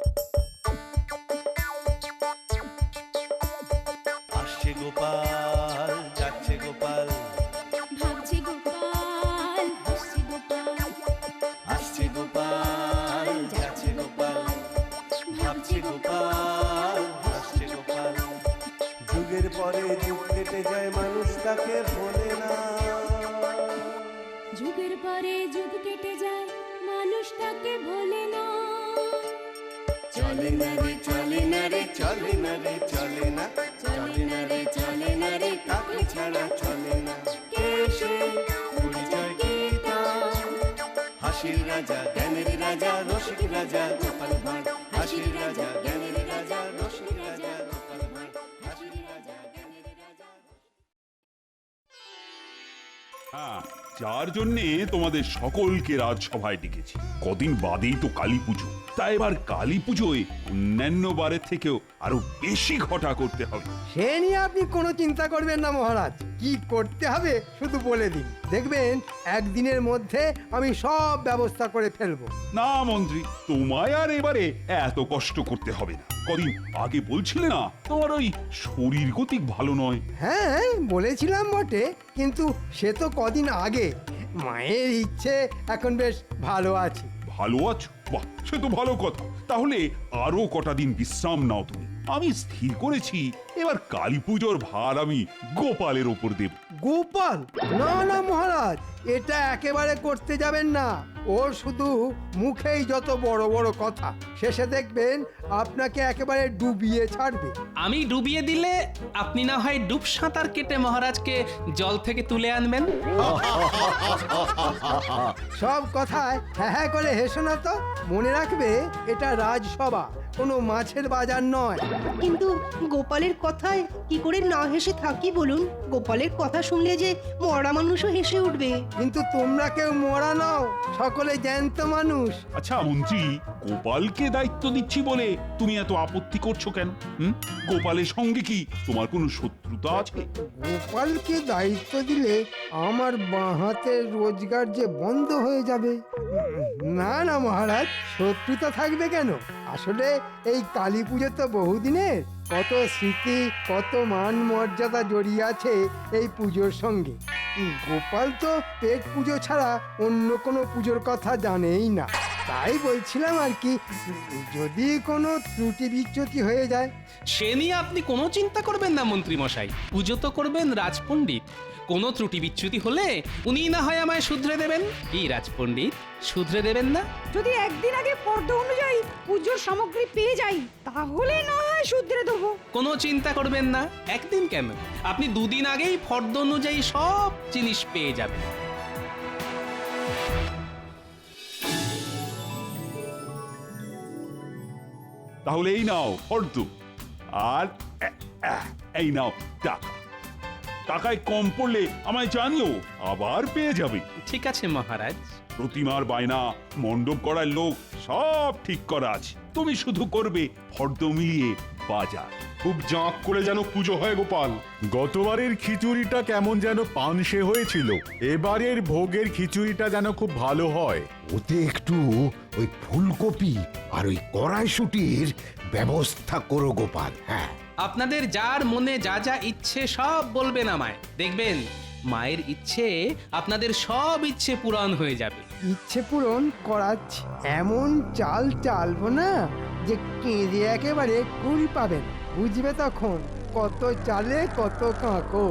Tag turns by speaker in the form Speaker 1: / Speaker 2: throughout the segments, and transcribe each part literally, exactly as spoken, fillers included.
Speaker 1: আসছে গোপাল, যাচ্ছে গোপাল,
Speaker 2: ভাবছে গোপাল, হাসছে গোপাল,
Speaker 1: আসছে গোপাল, যাচ্ছে গোপাল, ভাবছে গোপাল, হাসছে গোপাল। যুগের পরে যুগ কেটে যায়, মানুষ তাকে ভোলে না।
Speaker 2: যুগের পরে যুগ কেটে যায়, মানুষ তাকে ভোলে না।
Speaker 1: চলে না রে, চলে না রে, চলে না রে, চলে না, চলে না রে, চলে না রে, কাকে ছাড়া চলে না। কে সে পরিচয় কি তার? হাসির রাজা, জ্ঞানের রাজা, রসিক রাজা গোপাল ভাঁড়। হাসির রাজা, জ্ঞানের রাজা, রসিক রাজা গোপাল ভাঁড়। হাসির রাজা, জ্ঞানের রাজা।
Speaker 3: হ্যাঁ, যার জন্যে তোমাদের সকলকে রাজসভায় ডেকেছি। কদিন বাদেই তো কালী পুজো, তাই এবার কালী পুজোয় অন্যান্য বারের থেকেও আরো বেশি ঘটা করতে হবে।
Speaker 4: সে নিয়ে আপনি কোনো চিন্তা করবেন না মহারাজ, কি করতে হবে শুধু বলে দিন, দেখবেন একদিনের মধ্যে আমি সব ব্যবস্থা করে ফেলবো।
Speaker 3: না মন্ত্রী, তোমায় আর এবারে এত কষ্ট করতে হবে না। কদিন আগে বলছিলে না তোমার ওই শরীর গতিক ভালো নয়?
Speaker 4: হ্যাঁ বলেছিলাম বটে, কিন্তু সে তো কদিন আগে। মায়ের ইচ্ছে এখন বেশ ভালো আছি।
Speaker 3: ভালো আছো? বাহ, সে তো ভালো কথা। তাহলে আরো কটা দিন বিশ্রাম নাও তুমি। আমি স্থির করেছি এবার কালী পুজোর ভার আমি গোপালের ওপর দেব।
Speaker 4: গোপাল? না না মহারাজ, এটা একেবারে করতে যাবেন না। ওর শুধু মুখেই যত বড় বড় কথা, শেষে দেখবেন আপনাকে একেবারে ডুবিয়ে ছাড়বে।
Speaker 5: আমি ডুবিয়ে দিলে আপনি না হয় ডুব সাঁতার কেটে মহারাজকে জল থেকে তুলে আনবেন।
Speaker 4: সব কথায় হ্যাঁ হ্যাঁ করে হেসো না তো। মনে রাখবে এটা রাজসভা, কোনো মাছের বাজার নয়।
Speaker 6: কিন্তু গোপালের কথায় কি করে না হেসে থাকি বলুন? গোপালের কথা শুনলে যে মরা মানুষও হেসে উঠবে।
Speaker 4: কিন্তু তোমরা কেউ মরা নও, সকলে জ্যান্ত মানুষ।
Speaker 3: আচ্ছা মন্ত্রী, গোপালকে দায়িত্ব দিচ্ছি বলে তুমি এত আপত্তি করছো কেন? হুম, গোপালের সঙ্গে কি তোমার কোনো শত্রুতা আছে?
Speaker 4: গোপালকে দায়িত্ব দিলে আমার বাঁ হাতের রোজগার যে বন্ধ হয়ে যাবে। না না মহারাজ, শত্রুতা থাকবে কেন? আসলে এই কালী পুজো তো বহুদিনের, কত স্মৃতি, কত মান মর্যাদা জড়িয়ে আছে এই পুজোর সঙ্গে। গোপাল তো পেট পুজো ছাড়া অন্য কোনো পুজোর কথা জানেই না। তাই বলছিলাম আর কি, যদি কোনো ত্রুটি বিচ্যুতি হয়ে যায়।
Speaker 5: সে নিয়ে আপনি কোনো চিন্তা করবেন না মন্ত্রী মশাই। পুজো তো করবেন রাজপণ্ডিত। কোনো ত্রুটি বিচ্যুতি হলে উনি না হয় আমায় শুধরে দেবেন। কি রাজপণ্ডিত, শুধরে দেবেন না?
Speaker 7: যদি একদিন আগে ফর্দ অনুযায়ী পুজোর সামগ্রী পেয়ে যাই, তাহলে না হয় শুধরে দেবো।
Speaker 5: কোনো চিন্তা করবেন না। একদিন কেন, আপনি দুদিন আগেই ফর্দ অনুযায়ী সব জিনিস পেয়ে যাবেন।
Speaker 3: তাহলে এই নাও ফর্দ, আর এ- এ- এই নাও টাকা। টাকায় কম পড়লে আমায় জানিও, আবার পেয়ে যাবে।
Speaker 5: ঠিক আছে মহারাজ।
Speaker 3: প্রতিমার বায়না, মণ্ডপ করার লোক সব ঠিক করা আছে। তুমি শুধু করবে ফর্দ মিলিয়ে বাজার।
Speaker 8: খুব জাঁক করে যেন পুজো হয় গোপাল। গতবারের খিচুড়িটা কেমন যেন পানসে হয়েছিল, এবারের ভোগের খিচুড়িটা যেন খুব ভালো হয়।
Speaker 9: ওতে একটু ওই ফুলকপি আর ওই কড়াইশুটির ব্যবস্থা করো গোপাল। হ্যাঁ,
Speaker 5: আপনাদের যার মনে যা যা ইচ্ছে সব বলবেন আমায়, দেখবেন মায়ের ইচ্ছে আপনাদের সব ইচ্ছে পূরণ হয়ে যাবে।
Speaker 4: ইচ্ছে পূরণ করাচ্ছি, এমন চাল চালবো না যে কেঁদে একেবারে কুল পাবেন। বুঝবে তখন কত চালে কত কাঁকো।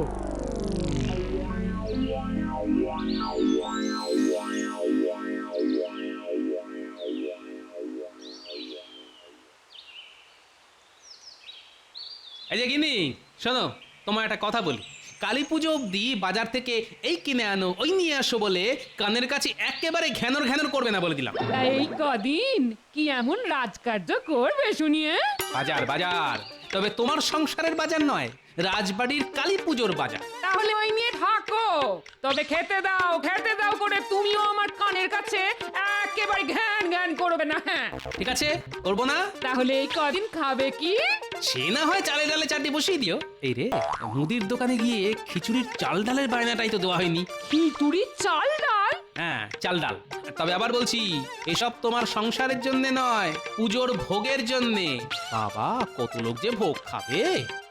Speaker 5: এই যে গিনি, শোনো, তোমার একটা কথা বলি। কালী পুজো অব্দি বাজার থেকে এই কিনে আনো ওই নিয়ে আসো বলে কানের কাছে একেবারে ঘ্যানর ঘ্যানর করবে না বলে দিলাম।
Speaker 7: এই কদিন কি এমন রাজকার্য করবে শুনিয়ে?
Speaker 5: বাজার বাজার, তবে তোমার সংসারের বাজার নয়, রাজবাড়ির কালী পুজোর বাজার।
Speaker 7: তাহলে ওই নিয়ে থাকো, তবে খেতে দাও খেতে দাও করে তুমিও আমার কানের কাছে একেবারে ঘ্যান ঘ্যান করবে না। হ্যাঁ
Speaker 5: ঠিক আছে, করবো না।
Speaker 7: তাহলে এই কদিন খাবে কি?
Speaker 5: সে না হয় চালে ডালে চারটি বসিয়ে দিও। এই রে, মুদির দোকানে গিয়ে খিচুড়ির চাল ডালের বায়নাটাই তো দেওয়া হয়নি।
Speaker 7: খিচুড়ি চাল ডাল?
Speaker 5: হ্যাঁ চাল ডাল। তবে আবার বলছি, এসব তোমার সংসারের জন্য নয়, পুজোর ভোগের জন্যে। বাবা, কত লোক যে ভোগ খাবে।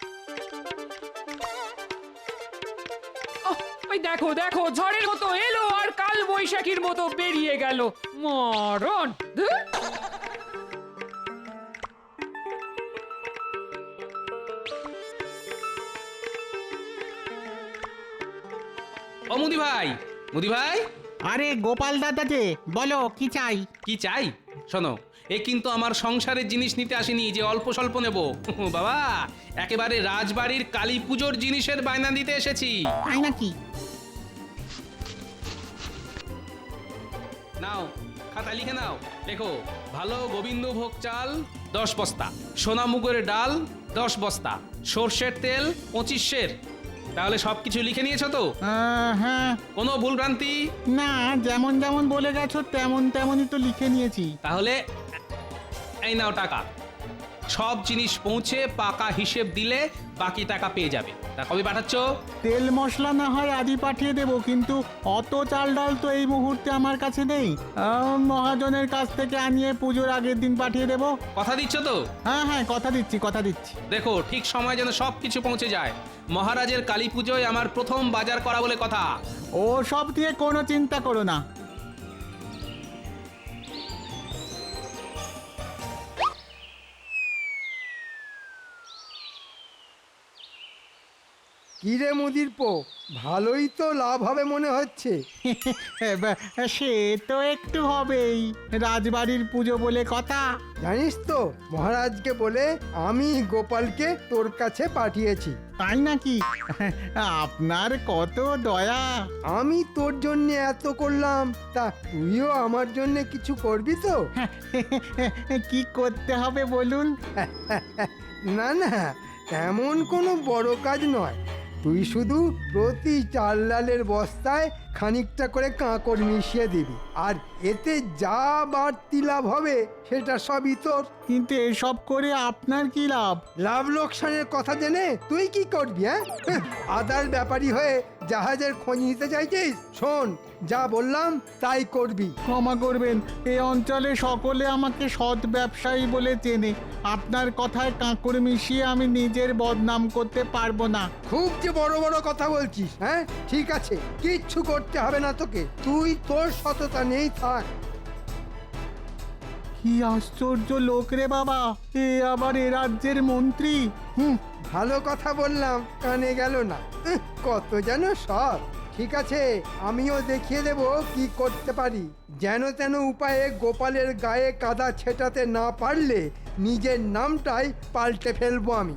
Speaker 7: ওহ, ওই দেখো দেখো, ঝড়ের মতো এলো আর কাল বৈশাখীর মতো বেরিয়ে গেল। মরণ! ধুর!
Speaker 5: ও মুদি ভাই, মুদি ভাই,
Speaker 10: আরে গোপাল দাদা যে, বলো কি চাই?
Speaker 5: কি চাই? শোনো, এ কিন্তু আমার সংসারের জিনিস নিতে আসেনি যে অল্প স্বল্প নেব। বাবা, একেবারে রাজবাড়ির কালী পুজোর জিনিসের বায়না দিতে এসেছি।
Speaker 10: তাই নাকি?
Speaker 5: নাও, খাতা লিখে নাও। দেখো, ভালো গোবিন্দভোগ চাল দশ বস্তা, সোনামুগের ডাল দশ বস্তা, সর্ষের তেল পঁচিশ সের। তাহলে সবকিছু লিখে নিয়েছো তো?
Speaker 10: আহ, হ্যাঁ।
Speaker 5: কোনো ভুল ভ্রান্তি?
Speaker 10: না, যেমন যেমন বলে গেছো তেমন তেমনই তো লিখে নিয়েছি।
Speaker 5: তাহলে এই নাও টাকা। সব জিনিস পৌঁছে পাকা হিসেব দিলে বাকি টাকা পেয়ে যাবে। তা কবে পাঠাচ্ছ?
Speaker 10: তেল মশলা না হয় আদি পাঠিয়ে দেবো, কিন্তু অত চাল ডাল তো এই মুহূর্তে আমার কাছে নেই। আহ, মহাজনের কাছ থেকে আনিয়ে পুজোর আগের দিন পাঠিয়ে দেবো।
Speaker 5: কথা দিচ্ছ তো?
Speaker 10: হ্যাঁ হ্যাঁ, কথা দিচ্ছি কথা দিচ্ছি।
Speaker 5: দেখো, ঠিক সময় যেন সব কিছু পৌঁছে যায়। মহারাজের কালী পুজোয় আমার প্রথম বাজার করা বলে কথা।
Speaker 10: ও সব দিয়ে কোনো চিন্তা করো না।
Speaker 4: কিরে মুদির পো, ভালোই তো লাভ হবে মনে হচ্ছে।
Speaker 10: এবার সে তো একটু হবেই, রাজবাড়ির পুজো বলে কথা।
Speaker 4: জানিস তো, মহারাজকে বলে আমি গোপালকে তোর কাছে পাঠিয়েছি।
Speaker 10: তাই নাকি? আপনার কত দয়া।
Speaker 4: আমি তোর জন্য এত করলাম, তা তুইও আমার জন্য কিছু করবি তো?
Speaker 10: কি করতে হবে বলুন?
Speaker 4: না না, তেমন কোনো বড় কাজ নয়। তুই শুধু প্রতি চাল ডালের বস্তায় খানিকটা করে কাঁকড় মিশিয়ে দিবি, আর এতে যা বাড়তি লাভ হবে সেটা সবই তোর।
Speaker 10: কিন্তু এসব করে আপনার কি লাভ?
Speaker 4: লাভ লোকসানের কথা জেনে তুই কি করবি? হ্যাঁ, আদার ব্যাপারী হয়ে জাহাজের খোঁজ নিতে চাইছিস? শোন, যা বললাম তাই করবি।
Speaker 10: ক্ষমা করবেন, এই অঞ্চলে সকলে আমাকে সৎ ব্যবসায়ী বলে চেনে। আপনার কথায় কাঁকড় মিশিয়ে আমি নিজের বদনাম করতে পারবো না।
Speaker 4: খুব যে বড় বড় কথা বলছিস। হ্যাঁ, ঠিক আছে, কিচ্ছু করতে হবে না তোকে। তুই তোর সততা নেই থাক।
Speaker 10: কি আশ্চর্য লোক রে বাবা, এ আবার এ রাজ্যের মন্ত্রী।
Speaker 4: হুম, ভালো কথা বললাম, কানে গেল না। উহ, কত যেন সব। ঠিক আছে, আমিও দেখিয়ে দেব কি করতে পারি। যেন তেন উপায়ে গোপালের গায়ে কাদা ছেটাতে না পারলে নিজের নামটাই পাল্টে ফেলবো আমি।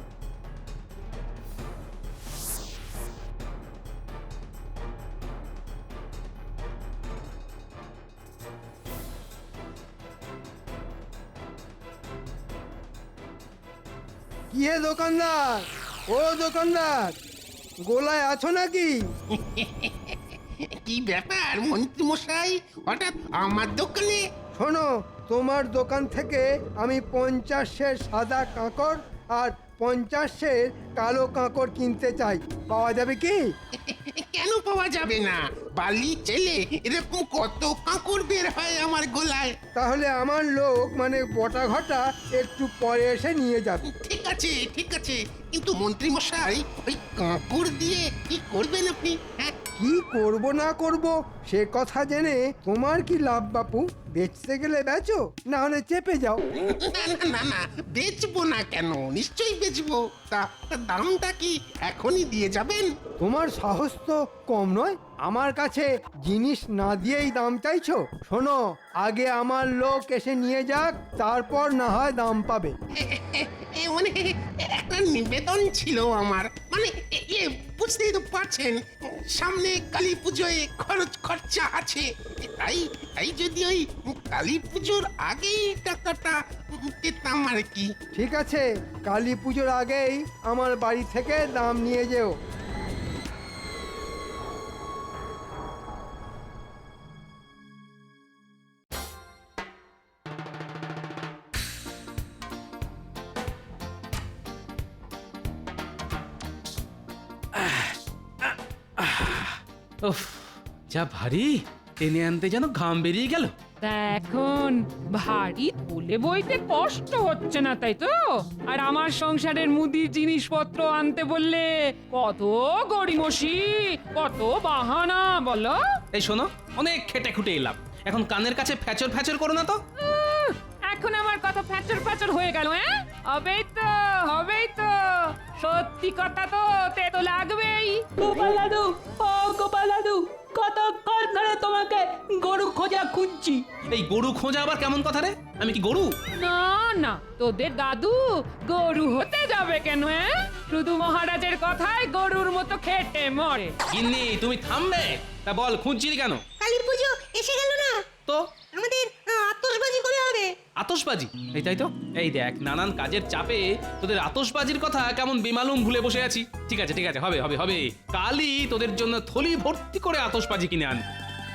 Speaker 4: কি হে দোকানদার, ও দোকানদার, গোলায় আছো নাকি?
Speaker 11: কি ব্যাপার মন্ত্রী মশাই, হঠাৎ আমার দোকানে?
Speaker 4: শোনো, তোমার দোকান থেকে আমি পঞ্চাশের সাদা কাঁকড় আর পঞ্চাশের কালো কাঁকড় কিনতে চাই। পাওয়া যাবে কি?
Speaker 11: কেন পাওয়া যাবে না? বালি ছেলে এরকম কত কাঁকড় বের হয় আমার গোলায়।
Speaker 4: তাহলে আমার লোক মানে বটা ঘটা একটু পরে এসে নিয়ে যাবে।
Speaker 11: ঠিক আছে ঠিক আছে, কিন্তু মন্ত্রী মশাই ওই কাঁকড় দিয়ে কি করবেন আপনি? হ্যাঁ,
Speaker 4: কি করব না করব সে কথা জেনে তোমার কি লাভ বাপু? বেচতে গেলে বেচো, না হলে চেপে যাও।
Speaker 11: না না না না, বেচবো না কেন, নিশ্চয়ই বেচবো। তা তা দামটা কি এখনই দিয়ে যাবেন?
Speaker 4: তোমার সাহস তো কম নয়, আমার কাছে জিনিস না দিয়েই দাম চাইছো। শোনো, আগে আমার লোক এসে নিয়ে যাক, তারপর না হয় দাম পাবে।
Speaker 11: এ মানে একটা নিবেদন ছিল আমার, মানে ইয়ে বুঝতেই তো পারছেন, সামনে কালী পুজোয় খরচ খরচা আছে। তাই তাই যদি ওই কালী পুজোর আগেই টাকাটা পেতাম আর কি।
Speaker 4: ঠিক আছে, কালী পুজোর আগেই আমার বাড়ি থেকে দাম নিয়ে যেও।
Speaker 5: উফ, যা ভারী, টেনে আনতে যেন ঘাম বেরিয়ে গেল।
Speaker 7: তা এখন ভারী তুলে বইতে কষ্ট হচ্ছে না তাই তো? আর আমার সংসারের মুদির জিনিসপত্র আনতে বললে কত গড়িমসি, কত বাহানা বলো।
Speaker 5: এই শোনো, অনেক খেটে খুটে এলাম, এখন কানের কাছে ফ্যাচর ফ্যাচর করো না তো।
Speaker 7: উহ, এখন আমার কথা ফ্যাচর ফ্যাচর হয়ে গেল। হ্যাঁ, হবেই তো, হবেই তো। সত্যি কথা তো তেতো লাগবেই।
Speaker 12: গোপাল দাদু, ও গোপাল দাদু, কতক্ষণ ধরে তোমাকে গরু খোঁজা খুঁজছি।
Speaker 5: এই গরু খোঁজা আবার কেমন কথা রে? আমি কি গরু?
Speaker 7: না না, তোদের দাদু গরু হতে যাবে কেন? হ্যাঁ, শুধু মহারাজের কথায় গরুর মতো খেটে মরে।
Speaker 5: গিন্নি তুমি থামবে? তা বল, খুঁজছিলি কেন?
Speaker 6: কালী পুজো এসে গেল না,
Speaker 5: তো
Speaker 6: আমাদের আতশবাজি করে হবে।
Speaker 5: আতশবাজি? এই তাই তো। এই দেখ, নানান কাজের চাপে তোদের আতশবাজির কথা কেমন বেমালুম ভুলে বসে আছি। ঠিক আছে ঠিক আছে, হবে হবে হবে, কালই তোদের জন্য থলি ভর্তি করে আতশবাজি কিনে আন।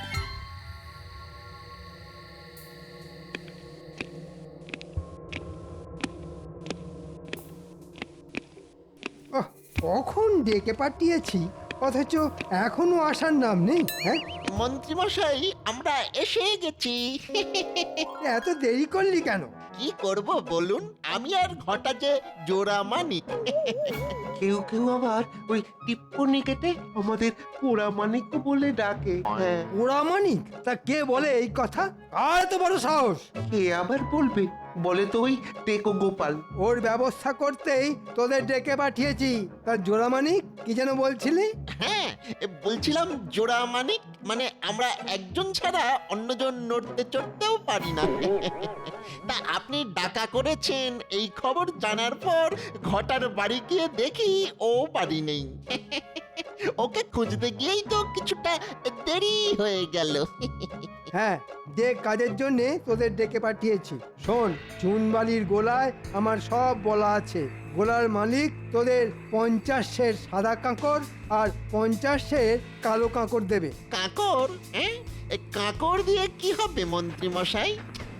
Speaker 4: ওহ, কখন ডেকে পাঠিয়েছি অথচ এখনো আসার নাম নেই। হ্যাঁ,
Speaker 13: মন্ত্রীমশাই, আমরা এসে গেছি।
Speaker 4: এত দেরি করলি কেন?
Speaker 13: কি করব বলুন, আমি আর ঘটা যে জোড়া মানিক। কেউ কেউ আবার ওই টিপ্পনি কেটে আমাদের পোড়া মানিক বলে ডাকে। হ্যাঁ,
Speaker 4: ওরা মানিক? তা কে বলে এই কথা? আর তো বড় সাহস!
Speaker 13: কে আবার বলবে? বলে তো ওই টেকো গোপাল।
Speaker 4: ওর ব্যবস্থা করতেই তোদের ডেকে পাঠিয়েছি। তার জোড়া মানিক কি যেন বলছিলি?
Speaker 13: হ্যাঁ, বলছিলাম জোড়া মানিক মানে আমরা একজন ছাড়া অন্যজন নড়তে চড়তেও পারি না। তা আপনি ডাকা করেছেন এই খবর জানার পর ঘটার বাড়ি গিয়ে দেখি ও বাড়ি নেই। ওকে খুঁজতে গিয়েই তো কিছুটা দেরি হয়ে গেল।
Speaker 4: হ্যাঁ, যে কাজের জন্য তোদের ডেকে পাঠিয়েছি। শোন, চুনবালির গোলায় আমার সব বলা আছে। গোলার মালিক তোদের পঞ্চাশ সের সাদা কাঁকর আর পঞ্চাশ সের কালো কাঁকর দেবে।
Speaker 13: কাঁকর? হ্যাঁ, কাঁকর দিয়ে কি হবে মন্ত্রী মশাই?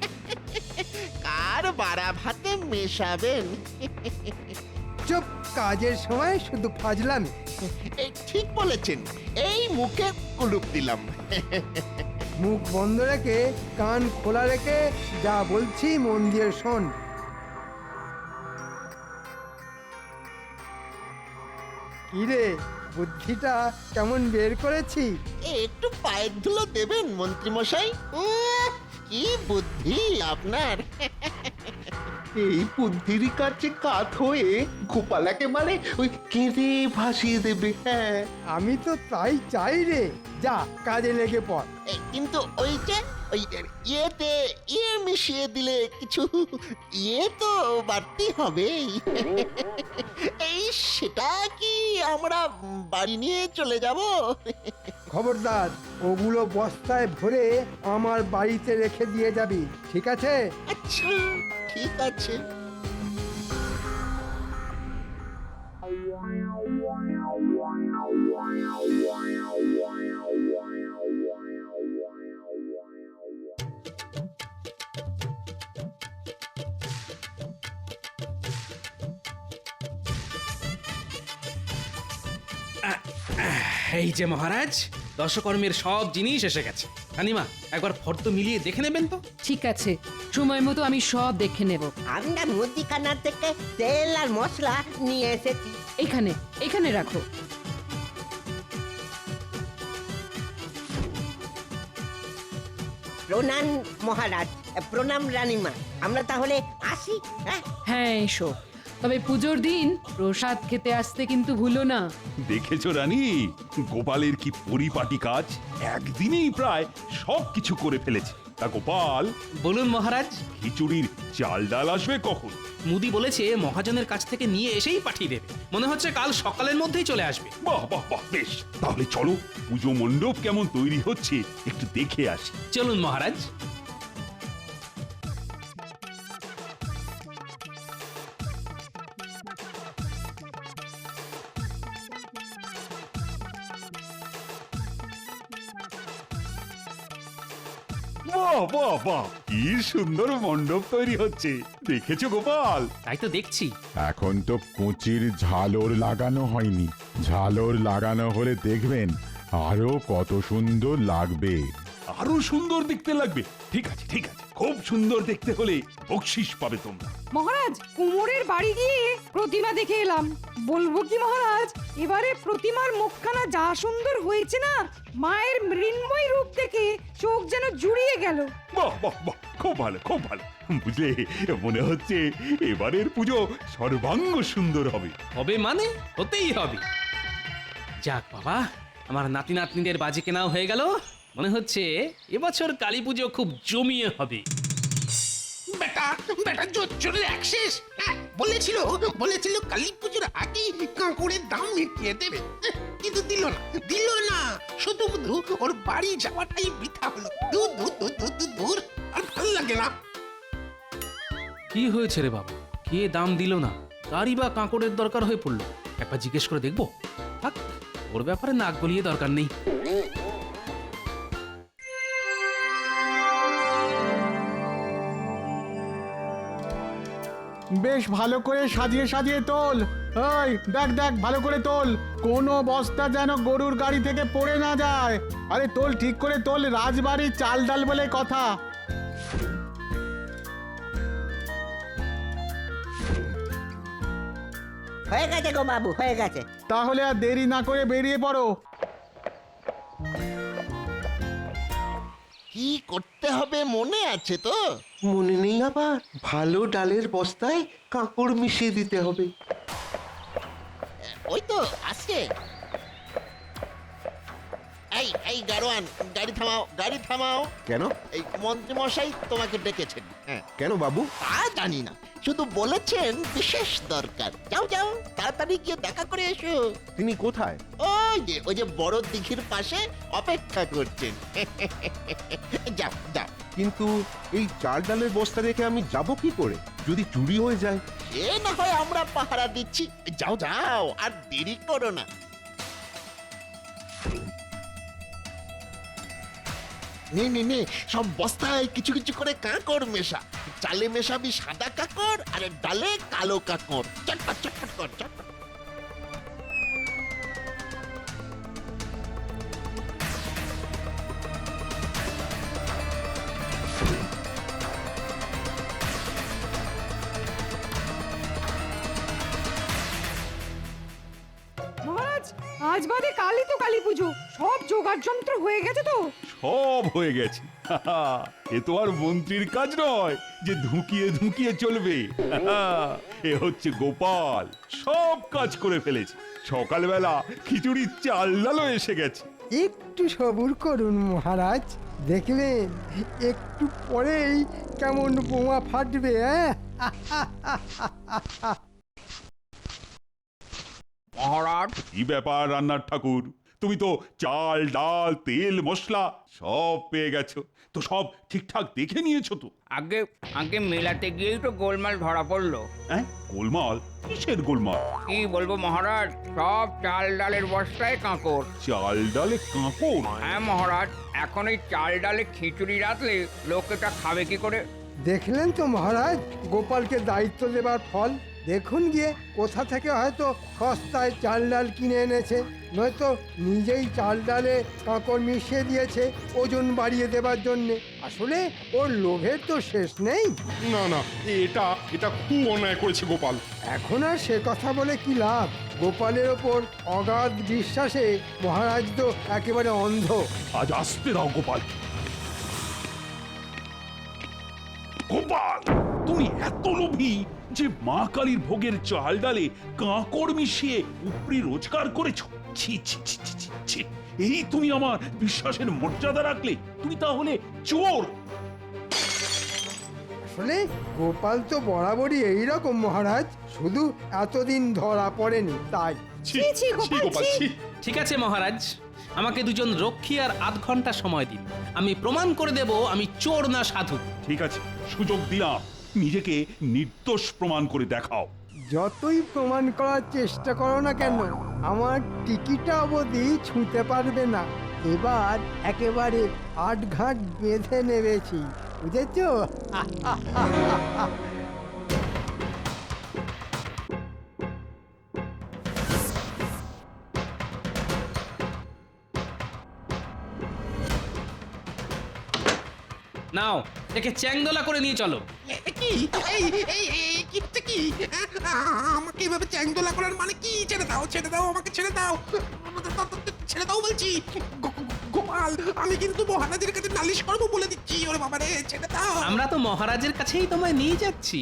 Speaker 13: কার বাড়া ভাতে মেশাবেন?
Speaker 4: চুপ, কাজের সময় শুধু ফাজলামি।
Speaker 13: এই ঠিক বলেছেন, এই মুখে কুলুপ দিলাম।
Speaker 4: মুখ বন্ধ রেখে কান খোলা রেখে যা বলছি মন দিয়ে শোন। কিরে, বুদ্ধিটা কেমন বের করেছি?
Speaker 13: একটু পায়ের ধুলো দেবেন মন্ত্রী মশাই? কি বুদ্ধি আপনার! এই বুদ্ধির কাছে কাত হয়ে গোপাল একেবারে ওই কেঁদে ভাসিয়ে দেবে। হ্যাঁ,
Speaker 4: আমি তো তাই চাই রে। যা, কাজে লেগে পড়।
Speaker 13: কিন্তু ওই যে ওই ইয়েতে ইয়ে মিশিয়ে দিলে কিছু ইয়ে তো বাড়তি হবে। এই সেটা কি আমরা বাড়ি নিয়ে চলে যাব?
Speaker 4: খবরদার, ওগুলো বস্তায় ভরে আমার বাড়িতে রেখে দিয়ে যাবি, ঠিক আছে?
Speaker 13: আচ্ছা, ঠিক আছে।
Speaker 5: এই যে মহারাজ, দশকর্মের সব জিনিস এসে গেছে। রানীমা, একবার ফর্দ মিলিয়ে দেখে নেবেন তো?
Speaker 7: ঠিক আছে, সময় মতো আমি সব দেখে নেব।
Speaker 12: আমরা মুদিখানা থেকে তেল আর মশলা নিয়ে এসেছি।
Speaker 7: এখানে এখানে রাখো।
Speaker 12: প্রণাম মহারাজ, প্রণাম রানীমা। আমরা তাহলে আসি। হ্যাঁ,
Speaker 7: হ্যাঁ এসো, তবে পুজোর দিন প্রসাদ খেতে আসতে কিন্তু ভুলো না।
Speaker 3: দেখেছো রানী, গোপালের কি পরিপাটি কাজ! একদিনেই প্রায় সব কিছু করে ফেলেছে। তা গোপাল,
Speaker 5: বলুন মহারাজ।
Speaker 3: খিচুড়ির চাল ডাল আসবে কখন?
Speaker 5: মুদি বলেছে মহাজনের কাছ থেকে নিয়ে এসেই পাঠিয়ে দেবে। মনে হচ্ছে কাল সকালের মধ্যেই চলে আসবে।
Speaker 3: বাহ বাহ বাহ, বেশ, তাহলে চলো পুজো মণ্ডপ কেমন তৈরি হচ্ছে একটু দেখে আসি।
Speaker 5: চলুন মহারাজ।
Speaker 3: বাহ বাহ বাহ, কি সুন্দর মণ্ডপ তৈরি হচ্ছে, দেখেছো গোপাল?
Speaker 5: তাই তো দেখছি।
Speaker 8: এখন তো কুচির ঝালর লাগানো হয়নি, ঝালর লাগানো হলে দেখবেন আরো কত সুন্দর লাগবে।
Speaker 3: আরো সুন্দর দেখতে লাগবে। ঠিক আছে ঠিক আছে, খুব সুন্দর দেখতে হলে বকশিস পাবে তোমরা।
Speaker 2: মহারাজ কুমোরের বাড়ি গিয়ে প্রতিমা দেখে এলাম। বলবো কি মহারাজ, এবারে প্রতিমার মুখখানা যা সুন্দর হয়েছে না, মায়ের মৃন্ময় রূপ দেখে চোখ যেন জুড়িয়ে গেল।
Speaker 3: বাহ বাহ বাহ, খুব ভালো খুব ভালো। বুঝলে, মনে হচ্ছে এবারের পুজো সর্বাঙ্গ সুন্দর হবে।
Speaker 5: হবে মানে হতেই হবে। যাক বাবা, আমার নাতি নাতনিদের বাজি কেনাও হয়ে গেল। মনে হচ্ছে এবছর কালী পুজো খুব জমিয়ে হবে।
Speaker 11: বেটা বেটা জোর চলে অ্যাক্সেস বলেছিল বলেছিল কালী পুজোর আগেই কাঁকুড়ের দাম মিটিয়ে দেবে, কিন্তু দিল না দিল না শুধু শুধু ওর বাড়ি যাওয়াটাই বৃথা হলো। দূর দূর দূর দূর দূর দূর, আর ভালো লাগে না।
Speaker 5: কি হয়েছে রে বাবা, কে দাম দিল না? কারই বা কাঁকড়ের দরকার হয়ে পড়লো? একবার জিজ্ঞেস করে দেখবো। থাক, ওর ব্যাপারে নাক গলিয়ে দরকার নেই।
Speaker 10: বেশ ভালো করে সাজিয়ে সাজিয়ে তোল। ওই দেখ দেখ, ভালো করে তোল, কোনো বস্তা যেন গরুর গাড়ি থেকে পড়ে না যায়। আরে তোল, ঠিক করে তোল, রাজবাড়ির চাল ডাল বলে কথা।
Speaker 14: হয়ে গেছে গো বাবু, হয়ে গেছে।
Speaker 10: তাহলে আর দেরি না করে বেরিয়ে পড়ো।
Speaker 13: কি করতে হবে মনে আছে তো?
Speaker 1: মনে নেই আবার? ভালো ডালের বস্তায় কাঁকড় মিশিয়ে দিতে হবে।
Speaker 13: ওই তো আসছে। এই এই গাড়োয়ান, গাড়ি থামাও, গাড়ি থামাও।
Speaker 1: কেন?
Speaker 13: এই মন্ত্রী মশাই তোমাকে ডেকেছেন। হ্যাঁ,
Speaker 1: কেন বাবু?
Speaker 13: তা জানি না, শুধু বলেছেন বিশেষ দরকার। যাও যাও, তাড়াতাড়ি গিয়ে দেখা করে এসো।
Speaker 1: তিনি কোথায়?
Speaker 13: ওই যে ওই যে বড় দিঘির পাশে অপেক্ষা করছেন। যাও যাও।
Speaker 1: কিন্তু এই চাল ডালের বস্তা রেখে আমি যাব কি করে যদি চুরি হয়ে যায়?
Speaker 13: এ না হয় আমরা পাহারা দিচ্ছি। যাও যাও, আর দেরি করো না। নে নে নে, সব বস্তায় কিছু কিছু করে কাঁকড় মেশা। চালে মেশাবি সাদা কাঁকড়, আর ডালে কালো কাঁকড়। চটপট চটপট কর, চটপট।
Speaker 2: মহারাজ আজ বাদে কালই তো কালী পুজো, সব জোগাড় যন্ত্র হয়ে গেছে তো?
Speaker 3: সব হয়ে গেছে। এ তো আর মন্ত্রীর কাজ নয় যে ধুকিয়ে ধুকিয়ে চলবে। এ হচ্ছে গোপাল, সব কাজ করে ফেলেছে। সকালবেলা খিচুড়ির চাল ডালও এসে গেছে।
Speaker 4: একটু সবুর করুন মহারাজ, দেখবেন একটু পরেই কেমন বোমা ফাটবে। হ্যাঁ,
Speaker 3: মহারাজ, কি ব্যাপার রান্নার ঠাকুর? তুমি তো চাল ডাল তেল মশলা সব পেয়ে গেছো, তো সব ঠিকঠাক দেখে নিয়েছো তো?
Speaker 15: আগে আগে মেলাতে গিয়েই তো গোলমাল ধরা পড়লো।
Speaker 3: হ্যাঁ, গোলমাল? কিসের গোলমাল?
Speaker 15: কি বলবো মহারাজ, সব চাল ডালের বস্তায় কাঁকড়।
Speaker 3: চাল ডালে কাঁকড়?
Speaker 15: হ্যাঁ মহারাজ, এখন এই চাল ডালে খিচুড়ি রাখলে লোকেটা খাবে কি করে?
Speaker 4: দেখলেন তো মহারাজ গোপালকে দায়িত্ব দেবার ফল। দেখুন গিয়ে কোথা থেকে হয়তো সস্তায় চাল ডাল কিনে এনেছে, নয়তো নিজেই চাল ডালে কাঁকড় মিশিয়ে দিয়েছে ওজন বাড়িয়ে দেবার জন্যে। আসলে ওর লোভের তো শেষ নেই।
Speaker 8: না না, এটা এটা খুব অন্যায় করেছে গোপাল।
Speaker 4: এখন আর সে কথা বলে কি লাভ? গোপালের ওপর অগাধ বিশ্বাসে মহারাজ তো একেবারে অন্ধ।
Speaker 3: আজ আসতে দাও গোপাল। গোপাল, তুমি এত লোভী যে মা কালীর ভোগের চাল ডালে কাঁকড় মিশিয়ে উপরি রোজগার করেছো? ছি ছি ছি ছি ছি, ছি। এই তুমি আমার বিশ্বাসের মর্যাদা রাখলে? তুমি তাহলে চোর।
Speaker 4: আসলে গোপাল তো বরাবরই এইরকম মহারাজ, শুধু এতদিন ধরা পড়েনি তাই।
Speaker 3: ছি ছি গোপাল, ছি।
Speaker 5: ঠিক আছে মহারাজ, আমাকে দুজন রক্ষী আর আধ ঘন্টা সময় দিন। আমি প্রমাণ করে দেব আমি চোর না সাধু।
Speaker 3: ঠিক আছে, সুযোগ দিলাম, নিজেকে নির্দোষ প্রমাণ করে দেখাও।
Speaker 4: যতই প্রমাণ করার চেষ্টা করো না কেন, আমার টিকিটা অবধি ছুঁতে পারবে না। এবার একেবারে আট ঘাট বেঁধে নেমেছি, বুঝেছো?
Speaker 5: নাও একে চ্যাংদোলা করে নিয়ে চলো।
Speaker 11: এ কি এই এই এই কিটা কি আ- আমাকে এভাবে চ্যাংদোলা করার মানে কি? ছেড়ে দাও ছেড়ে দাও আমাকে ছেড়ে দাও ছেড়ে দাও বলছি। গো- গো- গোপাল আমি কিন্তু মহারাজের কাছে নালিশ করবো বলে দিচ্ছি। ওরে বাবা রে ছেড়ে দাও।
Speaker 5: আমরা তো মহারাজের কাছেই তোমায় নিয়ে যাচ্ছি।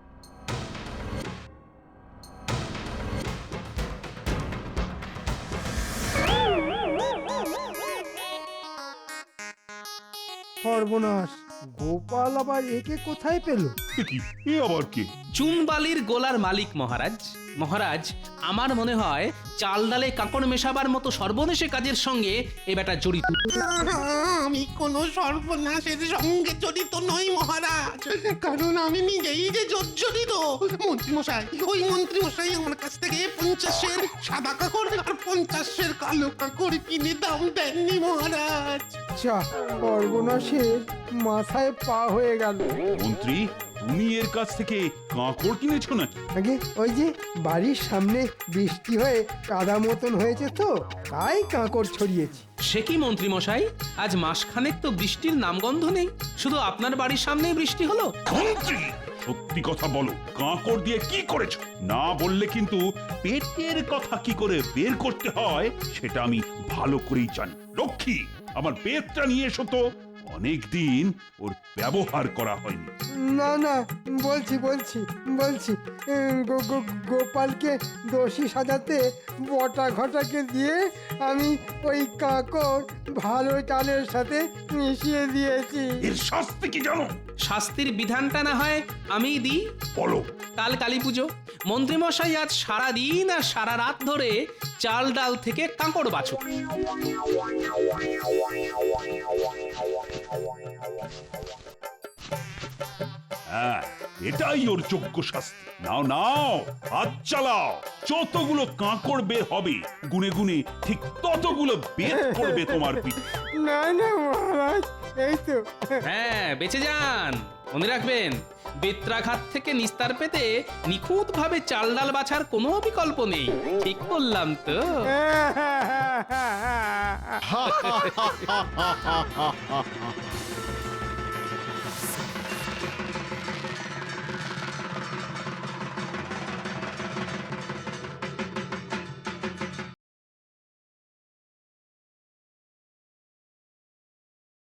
Speaker 4: সর্বনাশ, গোপাল আবার একে কোথায় পেল?
Speaker 3: এ কি এ আবার কে?
Speaker 5: চুনবালির গোলার মালিক মহারাজ। মহারাজ আমার মনে হয় চাল ডালে কাঁকড় মেশাবার মতো সর্বনেশে কাজের সঙ্গে এ বেটা জড়িত।
Speaker 11: আমি কোনো সর্বনাশের সঙ্গে জড়িত নই মহারাজ, কারণ আমি নিজেই যে জর্জরিত। মন্ত্রী মশাই ওই মন্ত্রী মশাই আমার কাছ থেকে পঞ্চাশের সাদা কাকড় আর পঞ্চাশের কালো কাকড় কিনে দাম দেননি মহারাজ।
Speaker 4: যা, সর্বনাশের মাথায় পা হয়ে গেল।
Speaker 3: মন্ত্রী, তুমি এর কাছ থেকে কাঁকড় কিনেছো নাকি?
Speaker 4: আগে ওই যে বাড়ির সামনে বৃষ্টি হয়ে কাদা মতন হয়েছে তো, তাই কাঁকড় ছড়িয়েছি।
Speaker 5: সে কি মন্ত্রী মশাই, আজ মাসখানেক তো বৃষ্টির নামগন্ধ নেই, শুধু আপনার বাড়ির সামনেই বৃষ্টি হলো।
Speaker 3: মন্ত্রী, সত্যি কথা বলো, কাঁকড় দিয়ে কি করেছো? না বললে কিন্তু পেটের কথা কি করে বের করতে হয় সেটা আমি ভালো করেই জানি। লক্ষ্মী, আমার পেটটা নিয়ে এসো তো, অনেকদিন ওর ব্যবহার করা হয়নি।
Speaker 4: না না, বলছি বলছি বলছি উম, গো- গো- গোপালকে দোষী সাজাতে বটা ঘটাকে দিয়ে আমি ওই কাঁকড় ভালো চালের সাথে মিশিয়ে দিয়েছি।
Speaker 3: এর শাস্তি কি জানো?
Speaker 5: শাস্তির বিধানটা না হয় আমি দিই।
Speaker 3: বলো।
Speaker 5: কাল কালী পুজো, মন্ত্রীমশাই আজ সারা দিন আর সারা রাত ধরে চাল ডাল থেকে কাঁকড় বাছুক।
Speaker 3: হ্যাঁ, এটাই ওর যোগ্য শাস্তি। নাও নাও, হাত চালাও। যতগুলো কাঁকড় বের হবে গুনে গুনে ঠিক ততগুলো বের করবে তোমার পিঠ।
Speaker 4: না না মহারাজ, এই তো।
Speaker 5: হ্যাঁ, বেঁচে যান। মনে রাখবেন, বেত্রাঘাত থেকে নিস্তার পেতে নিখুঁত ভাবে চাল ডাল বাছার কোনো বিকল্প নেই। ঠিক বললাম তো?
Speaker 10: হা হা হা হা হা হা হা।